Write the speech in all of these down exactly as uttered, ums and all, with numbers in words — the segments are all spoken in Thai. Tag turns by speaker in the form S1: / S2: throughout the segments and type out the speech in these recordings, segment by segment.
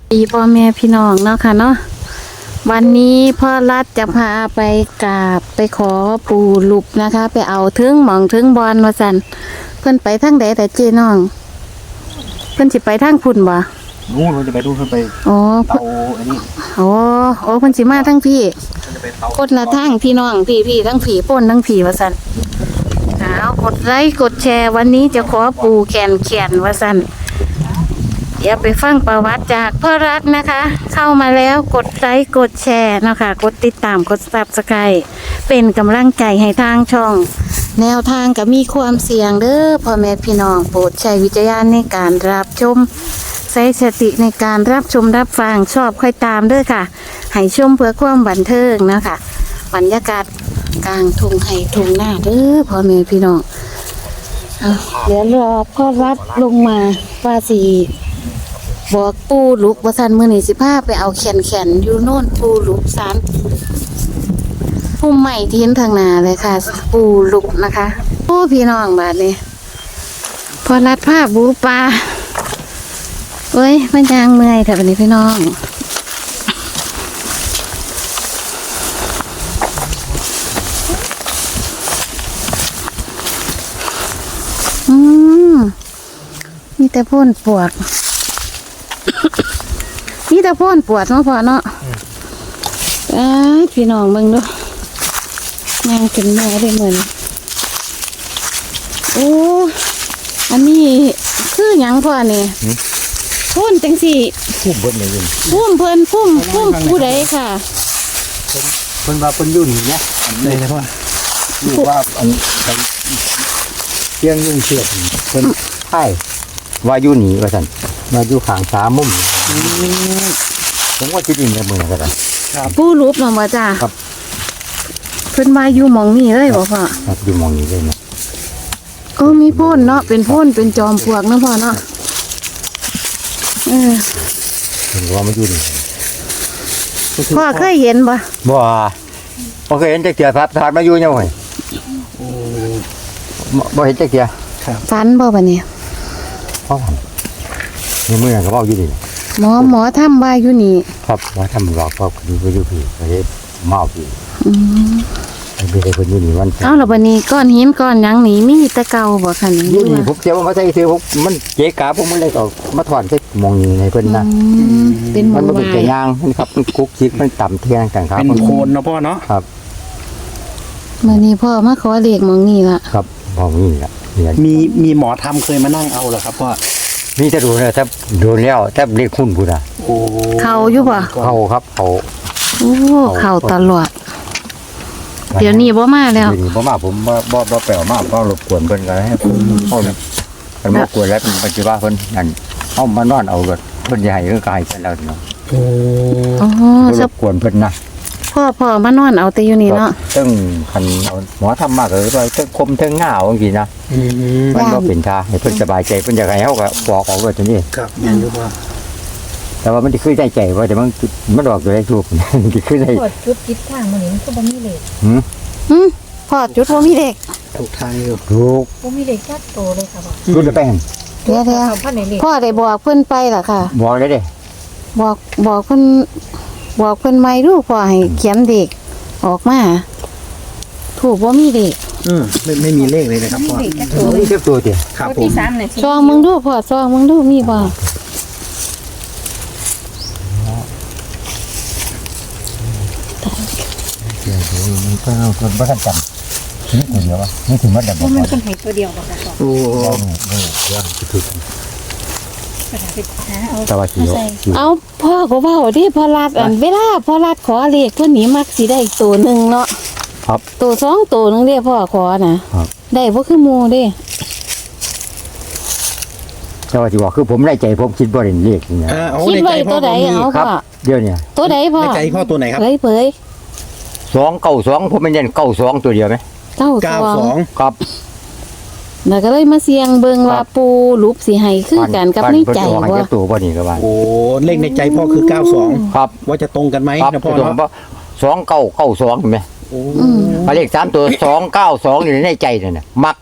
S1: ดีพ่อแม่พี่น้องเนาะค่ะเนาะวันนี้พ่อรัฐจะพาไปกราบไปขอปู่หลุบนะคะ ไปเอาถึงหมองถึงบอลมาสั่นเพิ่นไปทางใดแต่เจน้องเพิ่นสิไปทางพุ่นบ่
S2: นู้นเราจะไปดูเพิ่นไป
S1: อ๋อ
S2: เตาอันนี้
S1: อ๋อโอ้เพิ่นสิมาทั้งพี่กดละทางพี่น้องพี่พี่ทั้งผีป่นทั้งผีว่าสั่นเอากดไลค์กดแชร์วันนี้จะขอปู่แขนเขียนว่าสั่นเดี๋ยวไปฟังประวัติจากพ่อรัฐนะคะ เข้ามาแล้วกดไลค์กดแชร์นะคะกดติดตามกดซับสไครบ์เป็นกำลังใจให้ทางช่อง แนวทางก็มีความเสี่ยงเด้อพ่อแม่พี่น้องโปรดใช้วิจารณญาณในการรับชมใช้สติในการรับชมรับฟังชอบค่อยตามเด้อค่ะให้ชมเพื่อความบันเทิงนะคะบรรยากาศกลางทุ่งไห่ทุ่งหน้าเด้อพ่อแม่พี่น้องเอาเดี๋ยวรอพ่อรัฐลงมาว่าสีบอกปูลุกว่าสันมือนี่สิพาไปเอาแขนแขนอยู่โน่นปูลุกสารพุ่มใหม่ทิ้นทางนาเลยค่ะ ปูลุกนะคะโอ้พี่น้องบาดนี้พอรัดผ้าบูปลาเอ้ยมันยางเมื่อยแต่วันนี้พี่น้องอืมมีแต่พ่นปวดนี่ตะพ่นปวดเนาะพ่อเนาะไอ้พี่น้องเบิ่งดูงานขึ้นแม่ได้เหมือนโอ้อันนี้คือหยังพ่อนี่พ่นจังสี่
S2: พุ่มเพิ่นเลยยิน
S1: พุ่มเพิ่นพุ่มพุ่มผู้ใดค่ะ
S2: เพิ่นว่าเพิ่นอยู่นี่เนี่ยอันนี้นะพ่ออยู่ว่าอันเตียงยุ่งเชือกเพิ่นไผ่ว่าอยู่นี่ว่าซั่นมาอยู่ข้างสามมุมผมว่าคิดอินกับมือก็ได้
S1: ผู้รูปเนาะบ่จ้าครับเพิ่นมาอยู่หม่องนี้เลยบ่พ่อ
S2: ครับอยู่หม่องนี้เลยเนาะ
S1: ก็มีพ่นเนาะเป็นพ่นเป็นจอมปลวกเนาะพ่อเนาะเออ
S2: เห็นว่ามันอยู่นี่
S1: พ่อเคยเห็นบ่
S2: บ่บ่เคยเห็นจักเทื่อครับถาดมาอยู่ยังไงบ่เห็นจักเทื่อ
S1: ฝันบ่บัดนี้
S2: พ่อนี่มื้อนั้นก็เว้าอยู่นี่
S1: หมอหมอทำว่าอยู่นี่
S2: ครับหมอทำหลอกพ่อคือบ่อยู่พี่ก็เฮ็ดเมาพี่
S1: อืม
S2: ไอ้เพิ่นเพิ่นอยู่นี่วัน
S1: เอ้าแล้วบัดนี้ก้อนหินก้อนหยังนี่มีแต่เก่าบ่คั่นนี่
S2: อยู่นี่ผมเสียว่ามาใส่ซื้อผมมันเจ๊กาผมมันเลยก็มาถอนใส่หม่องนี้ให้เพิ่นนะ
S1: เป็นหม่อง
S2: มันบ่เป็นแต่ยางมันครับมันคุกคิกมันต่ำเที่ยงต่างครับ
S3: เป็นโคนเนาะพ่อเนาะ
S2: ครับ
S1: มื้อนี้พ่อมาขอเลขหม่องนี้ล่ะ
S2: ครับหม่องนี้ล่ะ
S3: มีมีหมอทำเคยมานั่งเอาเหรอครับพ่อ
S2: มีแต่ดูนะถ้าโดนแล้วถ้าเรียกคุณพูดอ่ะ
S3: โอ้
S1: เขาอยู่ป่ะ
S2: เขาครับเขา
S1: โอ้เขาตลอดเดี๋ยวนี้บ่มาแล้ว
S2: เดี๋ยวนี้บ่มาผมบ่บ่บ่แปลมาเพราะรบกวนเพิ่นก็ให้ผมเฮาเนี่ยมันรบกวนแล้วเป็นปัจจุบันเพิ่นนั่นเฮามานอนเอารถเพิ่นสิให้คือกายกันแล้วเนาะ
S3: โอ้
S1: อ๋อ
S2: รบกวนเพิ่นนะ
S1: พ่อพ่อมานอนเอาแต่อยู่นี่เนาะ
S2: ซึ่งคันเอาหมอทำมากเลยว่าเทิงคมเทิงง่าวจังซี่นะมันบ่เป็นท่าให้เพิ่นสบายใจเพิ่นอยากให้เฮาก็บอกออกว่าตัวนี้
S3: ครับแม่นอยู่ว่า
S2: แต่ว่ามันสิคือใจใจว่าแต่มันมันออกตัวได้ถูกมันสิคือได้
S4: จุดคิดทางมันนี่มันก็บ่มีเลข
S2: หือ
S1: หือพ่อจุดบ่มีเลข
S3: ถูกทางอยู่
S2: ถูก
S4: บ่มีเลขจัดโตเลยค่ะบ่
S2: จุดแป้ง
S1: เดี๋ยวๆพ่อได้บอกเพิ่นไปล่ะค่ะ
S2: บอกได้เด้
S1: บอกบอกเพิ่นบอกเพิ่นใหม่ดูพ่อให้เขียนเด็กออกมาถูกบ่มีเลข
S3: อือไม่ไม่มีเลขเลยนะครับพ่อ
S2: นี่คือตัวเดียว
S3: ครับผม
S1: ซองมึงดูพ่อซองมึงดูมีบ่
S2: เดี๋ยวมันก็คนบ่ทันจำนี่คนเดียววะนี่ถึงมันดับบ่
S4: มันคนให้ตัวเดียวบ่ค่ะ
S3: โอ้
S2: โหเรื่องถึกแต่ว่าสิ
S1: เอาพ่อก็เว้าดิพ่อรัดอันเวลาพ่อรัดขอเลขเพิ่นนี่มักสิได้ตัวนึงเนาะ
S2: ครับ
S1: ตัวสองตัวนึงเด้พ่อขอน่ะได้บ่คือหมู่เด้
S2: แต่ว่าสิว่าคือผมได้ใจผมคิดบ่ได้เลขนี่นะ
S1: คิดไว้ตัวใดเอาพ่อ
S2: เดี๋ยวนี้
S1: ตัวใดพ่อ
S3: ใจพ่อตัวไหนครับ
S1: เผยเผย
S2: สองเก้าสองผมไม่เน้นเก้าสองตัวเดียวไหม
S1: เก้าสอง
S2: ครับ
S1: น่ะก็เลยมาเสี่ยงเบิ่งว่าปูรูปสิให้คือกันกับในใจว่า
S2: ตัวบ่นี่ก็ว่า
S3: โอ้เลขในใจพ่อคือเก้าสอง
S2: ครับ
S3: ว่าจะตรงกันไหมนะพ่อเนาะ
S2: สองเก้าเก้าสองเห็นไหม
S3: โอ้
S2: เลขสามตัวสองเก้าสองอยู่ในใจนั่นน่ะมัก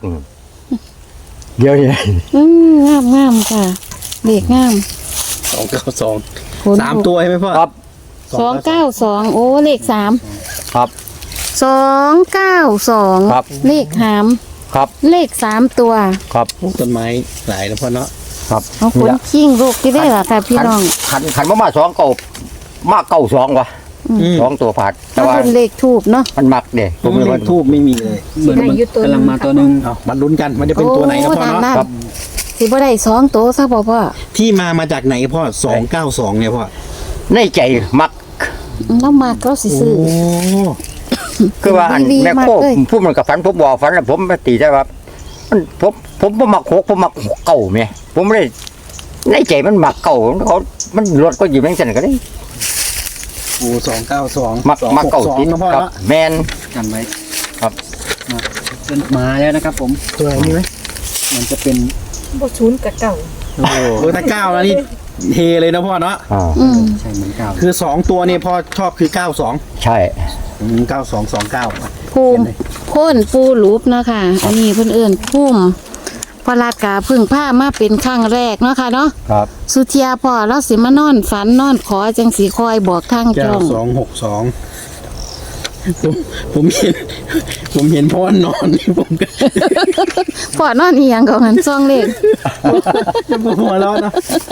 S2: เดี๋ยวนี้
S1: อืมงามงามค่ะเลขงาม
S3: สองเก้าสอง
S1: ขน
S3: สามตัวใช่ไหมพ่อ
S2: ครับ
S1: สองเก้าสองโอ้เลขสาม
S2: ครับ
S1: สองเก้าสอง
S2: ครับ
S1: เลขหาม
S2: ครับ
S1: เลขสามตัว
S2: ครับ
S3: โอ้ต้นไม้หลายนะพ่อเนาะ
S2: ครับ
S1: เอาคนขิงลูกที่ได้ล่ะค่ะพี่น้อง
S2: ขันขันมามาสองเก่ามาเก่าสองวะ
S3: อืม
S2: สองตัวผาดแต่
S1: ถ้า
S2: ว่า
S1: เป็นเลขทูบเนาะ
S2: มันมักเด้ผมเลย
S3: เล
S2: ว่า
S3: ขทูบไม่มีเลย
S4: สิได้อยู่ตัว
S5: กำลังมาตัวหนึ่ง
S3: เอามาลุ้นกันมันจะเป็นตัวไหนนะพ่อเนาะ
S2: ครับ
S1: สิบ่ได้สองตัวซะบ่พ่อ
S3: ที่มามาจากไหนพ่อสองเก้าสองเนี่ยพ่อ
S2: ในใจมัก
S1: แล้วมาก็สิ
S3: โอ้
S1: ซื้อ
S2: คือว่าอัน
S1: ดีๆ
S2: แม่โค
S1: มากเลย
S2: พูดมันกับฝันผมบอกฝันแล้วผมมาตีได้ว่ามันผมผมบ่มักหกผมมักหกเก่าแม่ผมไม่ได้ในใจมันมักเก่าเขามันรถก็อยู่แม่งสันก็ได้
S3: โอ้สองเก้าสอง
S2: มัก
S3: สอง
S2: มัก
S3: หก
S2: เก่า
S3: สอง
S2: ติด
S3: นะพ่อ
S2: ครับ
S3: เนาะ
S2: แมน
S5: กันไว้
S2: ครับ
S5: มาเป็นมาแล้วนะครับผม
S3: ตัวไหนนี่ไหม
S5: มันจะเป็น
S4: บ่ศูนย์กับเก่า
S5: โอ้โห
S3: โอ้ถ้าเก้าแล้วนี่เฮเลยนะพ่อเนาะ
S2: อ่า
S1: อืม
S5: ใช่เหมือนเก่า
S3: คือสองตัวเนี่ยพ่อชอบคือเก้าสอง
S2: ใช่
S3: เก้าสองสองเก้า
S1: ภูมิโค่นปูรูปเนาะค่ะ อันนี้เพิ่นเอิ้นภูมิพระราชกาเพึ่งผ้ามาเป็นครั้งแรกเนาะค่ะเนาะ
S2: ครับ
S1: สุเทียพ่อเราสิมานอนฝันนอนขอจังสีคอยบอกทาง
S3: เก้า
S1: จ้อง
S3: สองหกสองผมผมเห็น ผมเห็นพ่อนอน ผมก็
S1: พ่อนอนอีหยังก็หันซองเลข
S3: จะปวดหัวแล้วนะ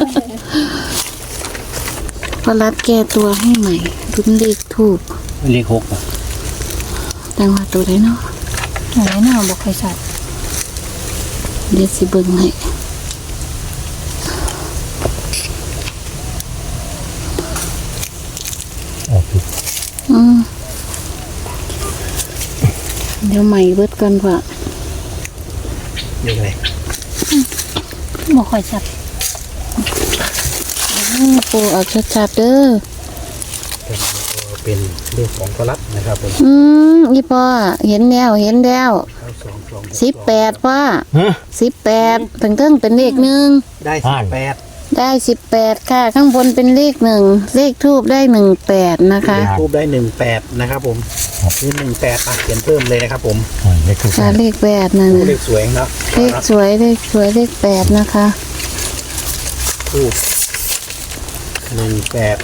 S1: พระรัดแก้ตัวให้ใหม่ดุนเลขถูก
S5: เลขหกอ่ะ
S1: แต่ว่าตัวไหนเนาะ
S4: ไหนหน้าบ่ค่อยชัด
S1: เดี๋ยวสิเบิ่งให้อืมเดี๋ยวใหม่เบิดก่อนพ่อ
S3: ยังไง
S4: บ่ค่อยชัด
S1: อืมปูเอาชัดๆเด้อ
S3: เป็นเรื่องของพลัดนะครับผม
S1: อืมอีพ่อเห็นแล้วเห็นแล้วสิบแปดพ่อสิบแปดถึงเทิงเป็นเลขหนึ่ง
S3: ได้สิบแปด
S1: ได้สิบแปดค่ะ ข้างบนเป็นเลขหนึ่งเลขทูบได้หนึ่งแปดนะคะ
S3: ทูบได้หนึ่งแปดนะครับผมนี่หนึ่งแปดอ่ะเขียนเพิ่มเลยนะครับผม
S2: เลขคือ
S1: ค่ะเลขแปดนั่น
S3: เล
S1: น่ะ
S3: ขสวยเนาะ
S1: เลขสวยเลขสวยเลขแปดนะคะ
S3: ทูบหนึ่งแปด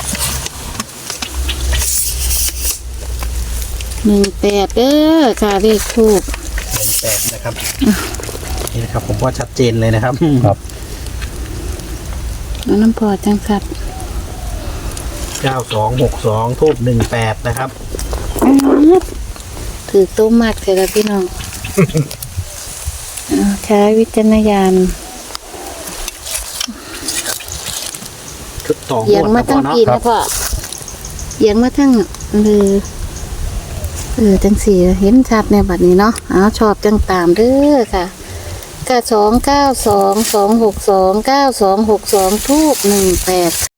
S1: หนึ่งแปดเด้อค่ะเลขทูบ
S3: หนึ่งแปดนะครับนี่นะครับผมว่าชัดเจนเลยนะครับ
S2: ครับ
S1: แล้วน้ำพอจังสัด
S3: เก้าสองหกสองทูบหนึ่งแปดนะครับ
S1: ถือตู้มากเถอะละพี่น้อง อ่าใช้วิจารณญาณ
S3: ชุดต่อ
S1: เอียงมาทั้งปีนะพ่อเอียงมาทั้งเออเออจังสี่เห็นชัดในบัดนี้เนาะเอาชอบจังตามเด้อค่ะก็สองเก้าสองสองหกสองเก้าสองหกสองทูบหนึ่งแปด